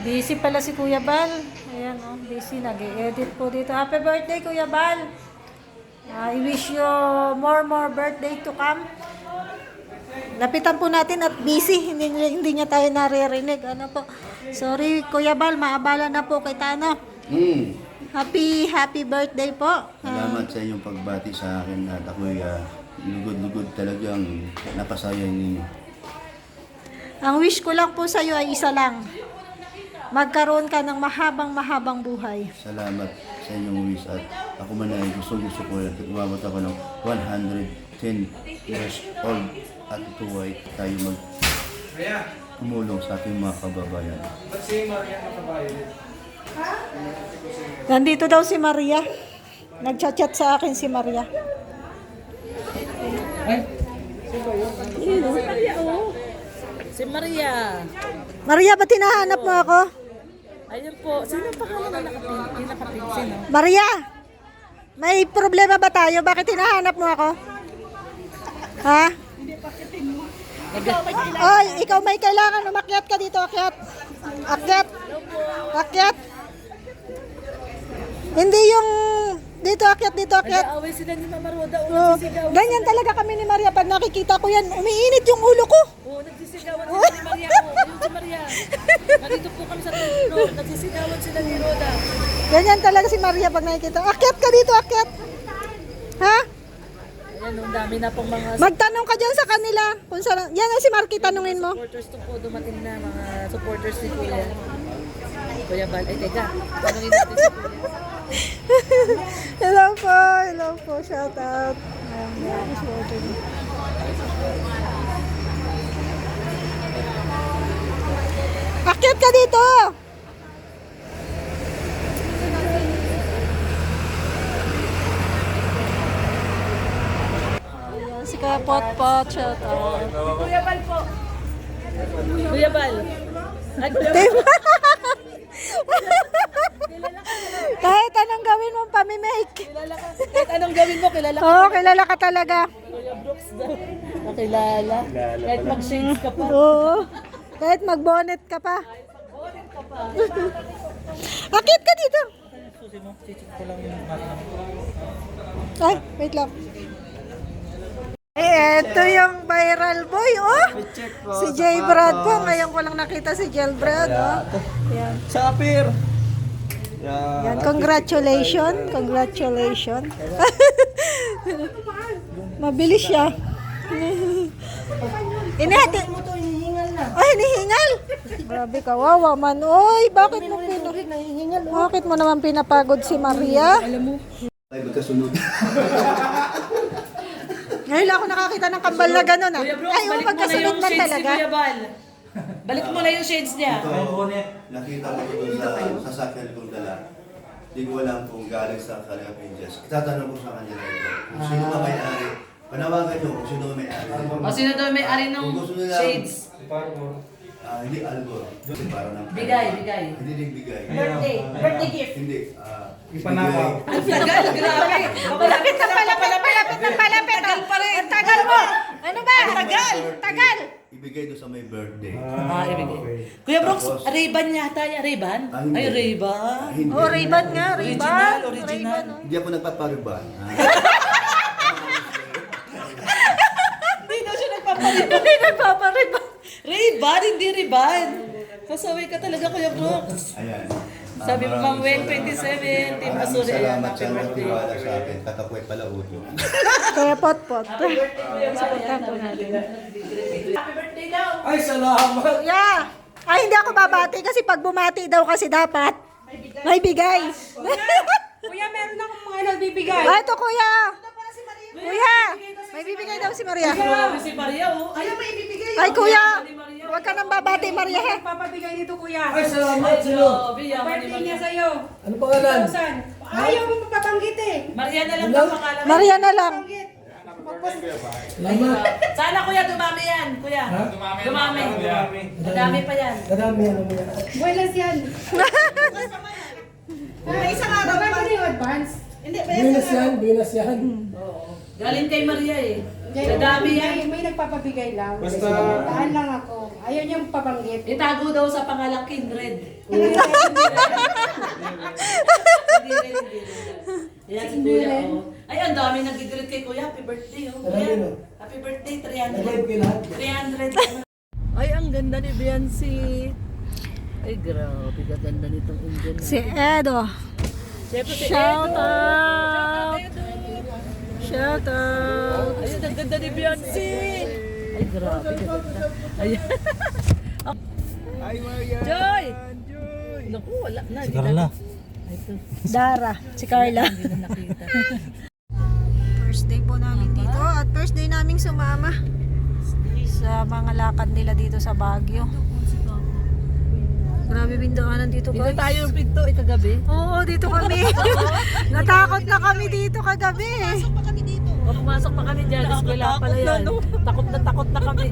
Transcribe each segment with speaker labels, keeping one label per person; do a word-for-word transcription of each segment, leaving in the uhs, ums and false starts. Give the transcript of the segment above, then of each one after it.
Speaker 1: Busy pala si Kuya Bal. Ayan, oh, busy. Nag-edit po dito. Happy birthday, Kuya Bal. I wish you more, more birthday to come. Lapitan po natin at busy. Hindi, hindi niya tayo naririnig. Ano po? Sorry, Kuya Bal. Maabala na po kay Tano.
Speaker 2: Mm.
Speaker 1: Happy, happy birthday po.
Speaker 2: Salamat sa inyong pagbati sa akin at ako'y uh, lugod-lugod talagang napasaya ninyo.
Speaker 1: Ang wish ko lang po sa iyo ay isa lang. Magkaroon ka ng mahabang-mahabang buhay.
Speaker 2: Salamat sa inyong wish at ako man ay gusto-gusto ko at umabot ako ng one hundred ten years old at ito ay tayo mag tumulong sa ating mga kababayan.
Speaker 1: Nandito daw si Maria. Nagchat-chat sa akin si Maria.
Speaker 3: Si Maria.
Speaker 1: Maria, ba't hinahanap mo ako?
Speaker 3: Ayun po. Sino ang pangalan na nakapin? Nakapin? Sino?
Speaker 1: Maria, may problema ba tayo? Bakit hinahanap mo ako? Ha? Oy, ikaw may kailangan. Umakyat ka dito. Akyat. Akyat. Akyat. Hindi yung dito akyat, dito akyat.
Speaker 3: Nag-aaway sila ni Mama Roda. O,
Speaker 1: Oh,
Speaker 3: nagsisigawan.
Speaker 1: ganyan talaga kami ni Maria. Pag nakikita ko yan, umiinit yung ulo ko.
Speaker 3: Oo, nagsisigawan sila ni Maria. O, ayun si Maria. Nandito po kami sa third floor. Nagsisigawan sila ni Roda.
Speaker 1: Ganyan talaga si Maria pag nakikita. Akyat ka dito, akyat. Ha?
Speaker 3: Ayan, ang dami na pong mga
Speaker 1: Magtanong ka dyan sa kanila. Kung saan, yan ang si Marky, tanungin mo.
Speaker 3: supporters to po. Dumating na mga supporters ni Kuya. Kuya Bal. Ay, teka. Tanungin natin si Kuya.
Speaker 1: Hello po, hello po, shout out. Ayan, yan, supporting. Akyat ka dito! Ayan, si Kaya Pot Pot, shout out.
Speaker 3: Kuya Bal po. Kuya Bal. Ay, Kuya Bal.
Speaker 1: Diba? Kahit anong gawin mo, pamimake.
Speaker 3: Kilala ka. Kahit anong gawin mo, kilala ka.
Speaker 1: Oo, kilala ka talaga.
Speaker 3: Kuya Brooks daw. Nakilala. Kahit mag-shades ka pa.
Speaker 1: Oo. Kahit mag-bonnet ka pa. Akit ka dito.
Speaker 3: Susi mo, chichik ko lang yung makina.
Speaker 1: Ay, wait lang. Eh, eto yung viral boy, oh. Si J. Brad po. Ngayon ko lang nakita si J. Brad, oh. Yan.
Speaker 4: Sapir!
Speaker 1: Yan, congratulations. Congratulations. Mabilis siya. Inihati. Ay, hinihingal. Grabe ka, wawa man. Oy, bakit mo pina... Bakit mo naman pinapagod si Maria?
Speaker 2: Ay, magkasunod.
Speaker 1: Ngayon lang ako nakakita ng kambal na gano'n, ah.
Speaker 3: Kuya Brooks,
Speaker 1: Ay, oh,
Speaker 3: balik mo na
Speaker 1: magkasunod
Speaker 3: yung
Speaker 1: man
Speaker 3: shades ni
Speaker 1: talaga.
Speaker 3: Kuya Bal. Balik mo na yung shades niya.
Speaker 2: Ito, nakita ko ito sa sasakyan kong dala. Hindi ko alam kung galing sa Kalingap Angels. Itatanong ko sa kanya na ito. Kung sino ba may-ari. Panawagan nyo kung sino ba may-ari.
Speaker 3: O sino daw may ari ng
Speaker 2: Kung gusto nila-
Speaker 3: shades?
Speaker 2: Ah, hindi albor. Hindi para ng...
Speaker 3: Bigay, bigay.
Speaker 2: Hindi din bigay.
Speaker 3: Birthday. Birthday gift.
Speaker 2: Hindi. ah,
Speaker 4: Ipanakaw.
Speaker 3: Ang tagal, grabe.
Speaker 1: Palapit na palapit, palapit na palapit.
Speaker 3: Tagal pa rin.
Speaker 1: Ang tagal mo. Ano ba?
Speaker 2: Tagal!
Speaker 1: Tagal.
Speaker 2: Ibigay doon sa may birthday.
Speaker 3: Ah, ibigay. Kuya Brooks,
Speaker 2: Tapos-
Speaker 3: Ray-Ban yata niya. Ray-Ban?
Speaker 2: Ah, hindi.
Speaker 3: Ay, Ray-Ban.
Speaker 2: Hindi.
Speaker 1: Oh, Ray-Ban nga, Ray-Ban.
Speaker 3: Original, original.
Speaker 1: Ray-Ban, oh.
Speaker 2: Hindi ako nagpapariban. Ah,
Speaker 3: Hindi daw siya nagpapaliban.
Speaker 1: Hindi nagpapariban.
Speaker 3: Ray-Ban, hindi Ray-Ban. Kasaway ka talaga, Kuya Brooks.
Speaker 2: Ayan. Ah,
Speaker 3: Sabi mo, Mang
Speaker 2: maraming
Speaker 3: Wen,
Speaker 2: salamat.
Speaker 3: twenty-seven, Team
Speaker 2: Maraming
Speaker 3: Asuri.
Speaker 2: salamat sa
Speaker 3: Happy
Speaker 2: mga
Speaker 3: birthday.
Speaker 2: tiwala sa akin. Katakway pala uto.
Speaker 1: Kaya pot-pot. Supportan ko natin.
Speaker 3: Happy birthday daw.
Speaker 4: Ay, salamat!
Speaker 1: Kuya! Ay, hindi ako babati kasi pag bumati daw kasi dapat may bigay.
Speaker 5: Kuya, meron akong mga nagbibigay.
Speaker 1: Ah, ito kuya! Kuya! May bibigay daw si Maria.
Speaker 3: Grabe si Maria, oh. Ay,
Speaker 5: Ano may ibibigay?
Speaker 1: Ay, kuya! Huwag ka nang babati, Maria. ha?
Speaker 5: Papabigay nito, kuya.
Speaker 4: Ay, salamat sa'yo!
Speaker 3: grabe, yaman ni
Speaker 5: Birthday niya
Speaker 3: Maria.
Speaker 5: sa'yo.
Speaker 4: Ano pangalan?
Speaker 5: Thousand. Ayaw mo mapabanggit eh.
Speaker 3: Maria na lang ang pangalan.
Speaker 1: Maria na lang.
Speaker 5: Banggit.
Speaker 4: Salamat!
Speaker 3: Sana kuya, dumami yan, kuya.
Speaker 4: Ha?
Speaker 3: Dumami. Madami pa yan.
Speaker 4: Kadami ano mo yan.
Speaker 5: Buenas yan. May isang araw ba yung advance? Hindi,
Speaker 4: Buenas yan, buenas yan.
Speaker 3: Galing kay Maria eh.
Speaker 5: May,
Speaker 3: Madami yan.
Speaker 5: may, may nagpapabigay lang.
Speaker 4: Basta-
Speaker 5: Daan lang ako. Ayaw niya pabanggit.
Speaker 3: Itago daw sa pangalang Kindred. Hindi rin, hindi rin. Yan si Kuya, oh. Ay, ang dami nag-greet kay Kuya. Happy birthday, oh.
Speaker 4: Marami,
Speaker 3: Kuya,
Speaker 4: no?
Speaker 3: happy birthday,
Speaker 4: Nag-live
Speaker 3: three hundred.
Speaker 4: kayo lahat.
Speaker 3: three hundred. Ay, ang ganda ni Beyonce. Ay, grabe, gaganda nitong Indian.
Speaker 1: Si Edo.
Speaker 3: Siyempre si
Speaker 1: Shout
Speaker 3: Edo.
Speaker 1: out.
Speaker 3: Edo.
Speaker 1: Shout out.
Speaker 3: Ayun, ang ganda ni Beyonce. Ay, grabe, gaganda. Ayan.
Speaker 4: Ay, Maria.
Speaker 3: Joy! Naku, wala na. Si
Speaker 6: Carla.
Speaker 3: Ay, ito.
Speaker 1: Dara. Si Carla.
Speaker 3: Hindi na nakita.
Speaker 1: First day po namin dito at first day naming sumama sa mga lakad nila dito sa Baguio. Grabe bindaanan dito
Speaker 3: Dito
Speaker 1: guys.
Speaker 3: tayo yung pinto, eh, kagabi.
Speaker 1: Oo, dito kami. Natakot na kami dito kagabi.
Speaker 3: O, pumasok pa kami dyan, eskwela pala yan. Takot na takot na kami.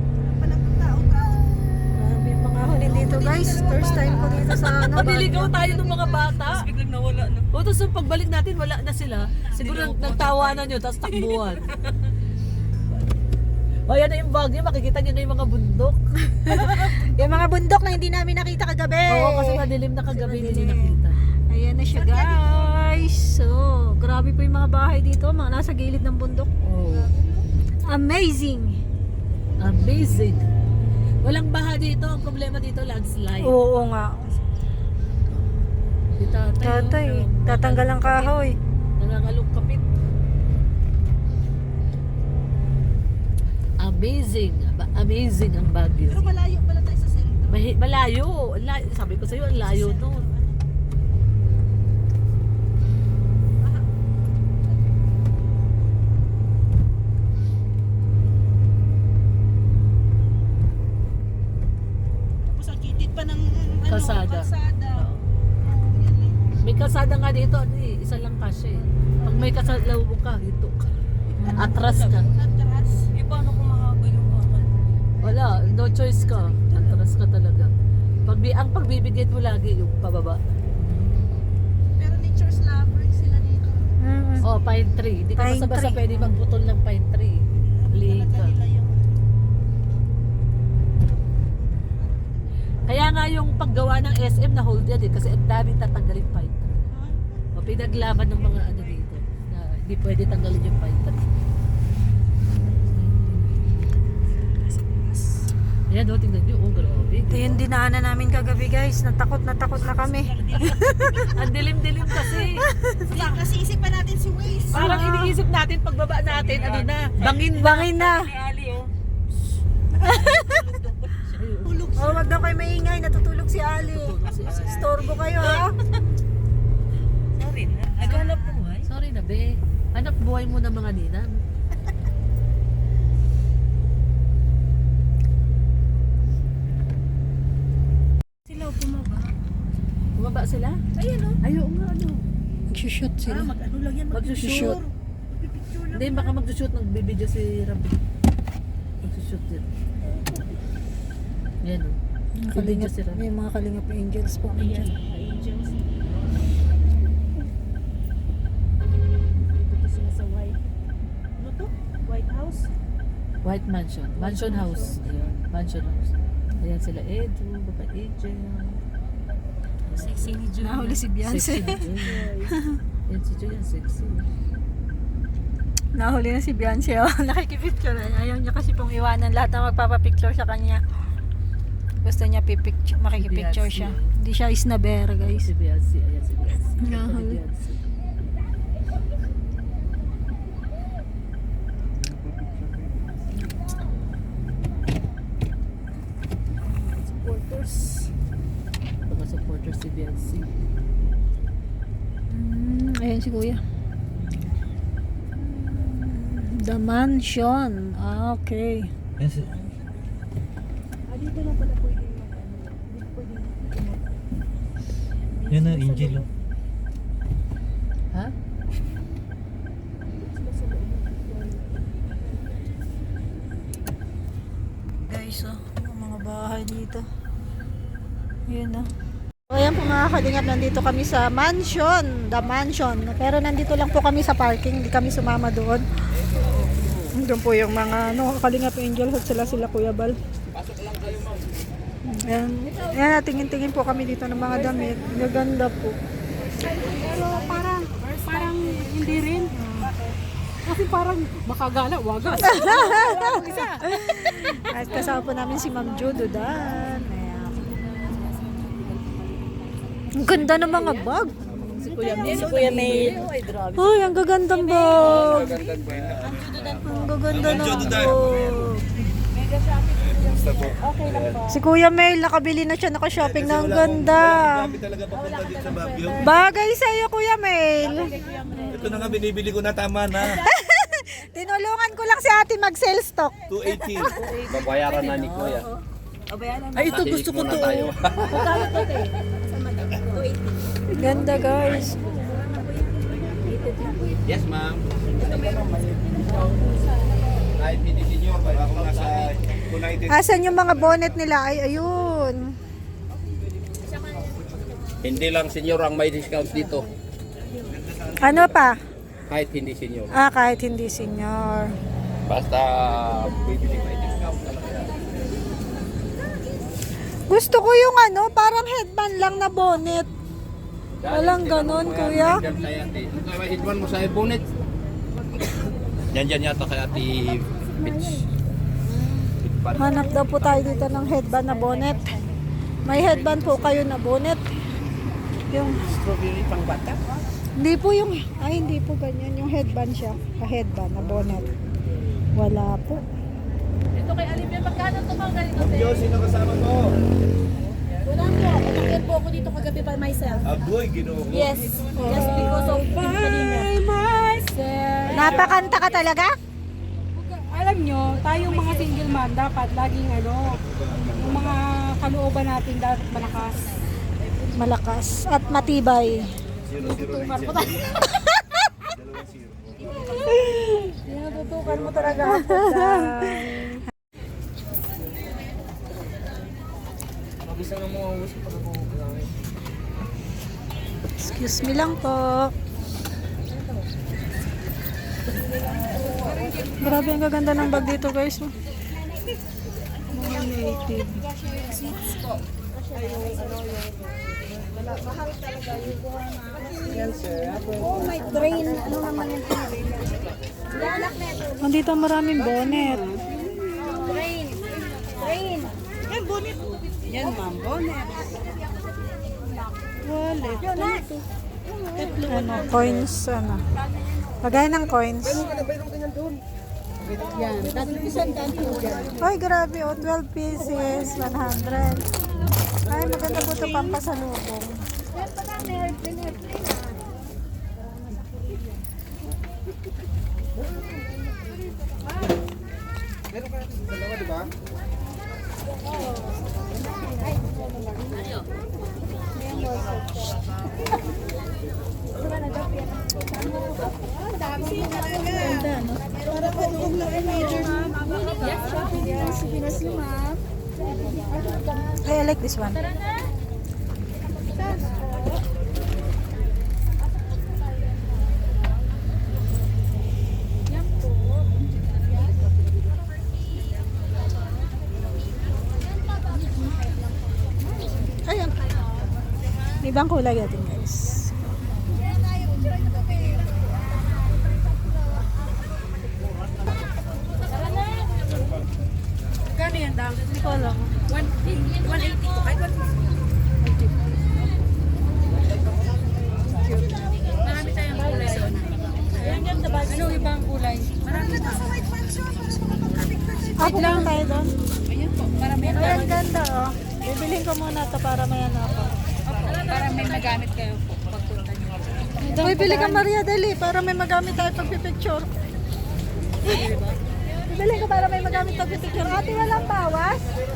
Speaker 1: Grabe yung mga hulin dito guys. First time ko dito sa ano,
Speaker 3: Nabiligaw
Speaker 1: Baguio.
Speaker 3: tayo ng mga bata. Tapos biglang nawala na. O, tapos yung pagbalik natin, wala na sila. Siguro nagtawanan nyo, tapos takbuhan. O, yan na yung Baguio, makikita nyo na yung mga bundok.
Speaker 1: Yung mga bundok na hindi namin nakita kagabi.
Speaker 3: Oo, kasi madilim na kagabi, hindi nakita.
Speaker 1: Ayan na siya guys. So, grabe po yung mga bahay dito. Mga nasa gilid ng bundok.
Speaker 3: Oh,
Speaker 1: Amazing.
Speaker 3: amazing. Walang baha dito, ang problema dito, landslide.
Speaker 1: Oo nga.
Speaker 3: Si tatay,
Speaker 1: Tatay,
Speaker 3: oh,
Speaker 1: tatanggal ang kahoy.
Speaker 3: nangangalong kapit. Amazing. Aba- Amazing ang Baguio. Pero malayo pala tayo sa sentro. Malayo. Ang layo. Sabi ko sa'yo, ang layo doon.
Speaker 5: Tapos ang kitid pa ng
Speaker 3: Kalsada. Oo. May kalsada nga dito, ano eh, isa lang kasi. Pag may kalsada ka, dito ka. Atras ka.
Speaker 5: atras. Eh, paano kung mahaba yung bakal?
Speaker 3: Wala, no choice ka. Atras ka talaga. Pag, ang pagbibigay mo lagi yung pababa.
Speaker 5: Pero nature's lover sila dito.
Speaker 1: Mm.
Speaker 3: Oh, pine tree. Hindi ka
Speaker 1: Pine
Speaker 3: basta-basta
Speaker 1: tree.
Speaker 3: pwede magputol ng pine tree. Liig ka. Kaya nga yung paggawa ng S M na hold yan eh, kasi ang dami tatanggalin pine tree. O pinaglaban ng mga ano dito na hindi pwede tanggalin yung pine tree. Ayan o, tingnan nyo. Oh, grabe.
Speaker 1: Ito yung dinaanan namin kagabi guys. Natakot na takot na kami.
Speaker 3: Ang dilim-dilim kasi.
Speaker 5: Hindi, kasi isipan natin si Waze.
Speaker 3: Parang iniisip natin pagbaba natin, ano na, bangin na.
Speaker 1: Bangin na.
Speaker 5: Ali, oh.
Speaker 1: Oh, wag daw kayo maingay. Natutulog si Ali. Storbo kayo ha.
Speaker 5: Sorry na. Naghanap buhay.
Speaker 3: Sorry na, be. Anak buhay mo ng mga ninang.
Speaker 5: Sila bumaba.
Speaker 3: Bumaba sila?
Speaker 5: Ayun, oh.
Speaker 3: Ayaw nga, ano.
Speaker 1: Magsushoot
Speaker 5: Ah,
Speaker 1: sila.
Speaker 5: mag-ano lang yan.
Speaker 3: Magsushoot.
Speaker 5: Picture lang.
Speaker 3: Hindi, baka magsushoot ng bibidyo si Rabi. Magsushoot din. Yan o.
Speaker 1: Mga
Speaker 3: Bibidyo
Speaker 1: kalingap,
Speaker 3: si Rabi.
Speaker 1: may mga kalingap angels po.
Speaker 5: Ayan,
Speaker 1: Angel.
Speaker 5: angels. Dito sila sa white. Ano to? White House?
Speaker 3: White Mansion. Mansion House. Ayan. Mansion House. Ayan sila Edu, Baba Angel.
Speaker 5: Sexy ni June.
Speaker 1: Nahuli si Beyonce.
Speaker 3: Sexy na Joy. Yan si Joy, yan sexy.
Speaker 1: Nahuli na si Beyonce. Oh. Nakikipicture. Ayaw niya kasi pong iwanan lahat na magpapapicture sa kanya. Gusto niya pipicture, makikipicture
Speaker 3: Beyonce.
Speaker 1: siya. Hindi siya isnabera guys.
Speaker 3: Si Beyonce. Ayan si Beyonce.
Speaker 1: Nahuli.
Speaker 3: Si Beyonce. Supporters. Mga supporters si Beyonce.
Speaker 1: Mm, ayun si kuya. The Mansion. Ah, okay.
Speaker 6: Yes.
Speaker 5: Ah, dito lang pala pwede yung ano. Dito pwede yung
Speaker 6: Yan na, Angel. oh.
Speaker 3: Ha?
Speaker 1: Guys, oh, yung mga bahay dito. Yun, oh. So, ayan po mga kalingap, nandito kami sa mansion, the mansion. Pero nandito lang po kami sa parking, hindi kami sumama doon. Doon po yung mga, ano, kalingap angels at sila sila Kuya Bal. Ayan, ayan, tingin-tingin po kami dito ng mga damit. Gaganda po.
Speaker 5: Pero parang, parang hindi rin. Kasi parang makagala, wagas.
Speaker 1: At kasama po namin si Ma'am Jododan. Ayan. Ang ganda ng mga bag.
Speaker 3: Si Kuya May. Si Kuya May. Ay, grabe.
Speaker 1: Uy, ang gagandang bag. Ang gaganda ng bag. Si Kuya Mel, nakabili na siya, naka-shopping na ang ganda.
Speaker 4: Kami talaga papunta dito sa Baguio.
Speaker 1: Bagay sa'yo, Kuya Mel.
Speaker 4: Ito na nga, binibili ko na, tama na.
Speaker 1: Tinulungan ko lang si ate mag-sell stock.
Speaker 4: two eighty.
Speaker 6: Babayaran na ni Kuya.
Speaker 3: Ay, ito gusto ko to.
Speaker 6: tayo.
Speaker 1: Ganda, guys.
Speaker 6: Yes, ma'am. Kahit hindi senior, ako nasa United.
Speaker 1: Asan yung mga bonnet nila? Ay, ayun.
Speaker 6: Hindi lang senior ang may discount dito.
Speaker 1: Ano pa?
Speaker 6: Kahit hindi senior.
Speaker 1: Ah, kahit hindi senior.
Speaker 6: Basta bibili may discount talaga.
Speaker 1: Gusto ko yung ano, parang headband lang na bonnet. Walang ganon, kuya.
Speaker 6: Diyan kay ate. Ito may hitman mo sa bonnet. Yan dyan yata kay ate Mitch.
Speaker 1: Hanap daw po tayo dito ng headband na bonnet. May headband po kayo na bonnet. Yung
Speaker 6: Strawberry pang bata.
Speaker 1: hindi po yung ay hindi po ganyan yung headband siya, ka-headband na bonnet. Wala po.
Speaker 3: Ito kay Alivia, magkano ito mga ganito?
Speaker 4: Diyos, sino kasama mo?
Speaker 5: Wala po, umakyat po ako dito kagabi by myself.
Speaker 4: Agoy, ginoo ko.
Speaker 5: Yes, just because of kanina. myself.
Speaker 1: Napakanta ka talaga?
Speaker 5: Alam nyo, tayong mga single man, dapat laging ano, yung mga kalooban natin dapat malakas.
Speaker 1: Malakas at matibay.
Speaker 5: Tutukan mo tayo.
Speaker 1: Tinututukan mo talaga ako. Excuse me lang po. Grabe, ang gaganda ng bag dito, guys. Mga native.
Speaker 5: Oh my drain, ano naman yung
Speaker 1: Nandito maraming bonnet.
Speaker 5: drain? Drain. Yan, bonnet. Yan, ma'am, bonnet.
Speaker 1: Wallet. Ano, coins, ano. Lagay ng coins.
Speaker 5: Yan, dati isang dati po dyan.
Speaker 1: Ay, grabe, oh, twelve pieces, one hundred. Ay, maganda po ito pampasalubong.
Speaker 5: Yan pa na, may airplane, airplane ah.
Speaker 1: Ay, I like this one. Ayan. May ibang kulay natin, guys.
Speaker 5: Kano yan, dam?
Speaker 1: Hindi ko alam.
Speaker 5: one eighty po, kahit one fifty. Marami tayong kulay doon. Ayan, ganda ba? Ano ibang kulay? Marami pa sa white mansion.
Speaker 1: Ah, pupunta tayo doon.
Speaker 5: Ayan po, para may,
Speaker 1: Ay, ang ganda, oh. Bibilhin ko muna ito para may ano ako.
Speaker 5: para may magamit kayo po pagpunta niyo.
Speaker 1: Uy, bili ka Maria, dali, para may magamit tayo pagpipicture. Bibili ka para may magamit pagpipicture. Ate, walang bawas?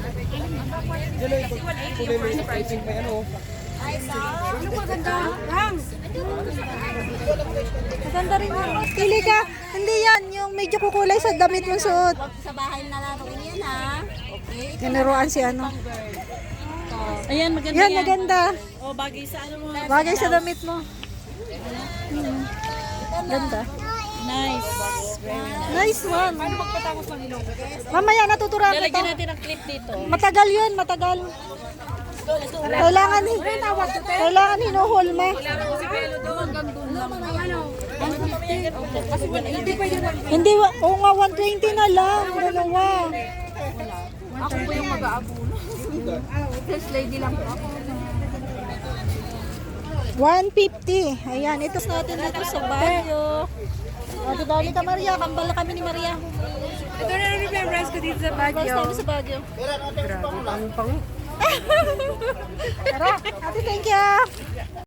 Speaker 5: Ano maganda? Rang!
Speaker 1: Maganda rin yun. Pili ka. Hindi yan, yung medyo kukulay sa damit mong suot.
Speaker 5: Sa bahay na naroon yan ha. Okay.
Speaker 1: Tinuruan si ano.
Speaker 5: Ayan, maganda
Speaker 1: Yan, maganda.
Speaker 5: O, bagay sa ano mo.
Speaker 1: Bagay sa damit mo. Hmm. Ganda. Nice. Nice one.
Speaker 5: Paano magpatapos ng ilong?
Speaker 1: Mamaya natuturuan kita.
Speaker 3: Lalagyan natin ang clip dito.
Speaker 1: Matagal yun, matagal. Kailangan, kailangan hinuhulma.
Speaker 5: Ano? one fifty? Kasi hindi pwede one fifty.
Speaker 1: Hindi, wa- oo nga, one twenty na lang. Dalawa.
Speaker 5: Ako po yung mag-aabuno. First lady lang po ako.
Speaker 1: one fifty. Ayan, ito natin dito sa Baguio. O, di ba ka Maria? Kambal na kami ni Maria.
Speaker 5: Ito na yung remembrance ko dito sa
Speaker 1: First
Speaker 5: Baguio.
Speaker 1: time sa Baguio.
Speaker 5: Grabe, pang pang.
Speaker 1: Tara, ate, thank you.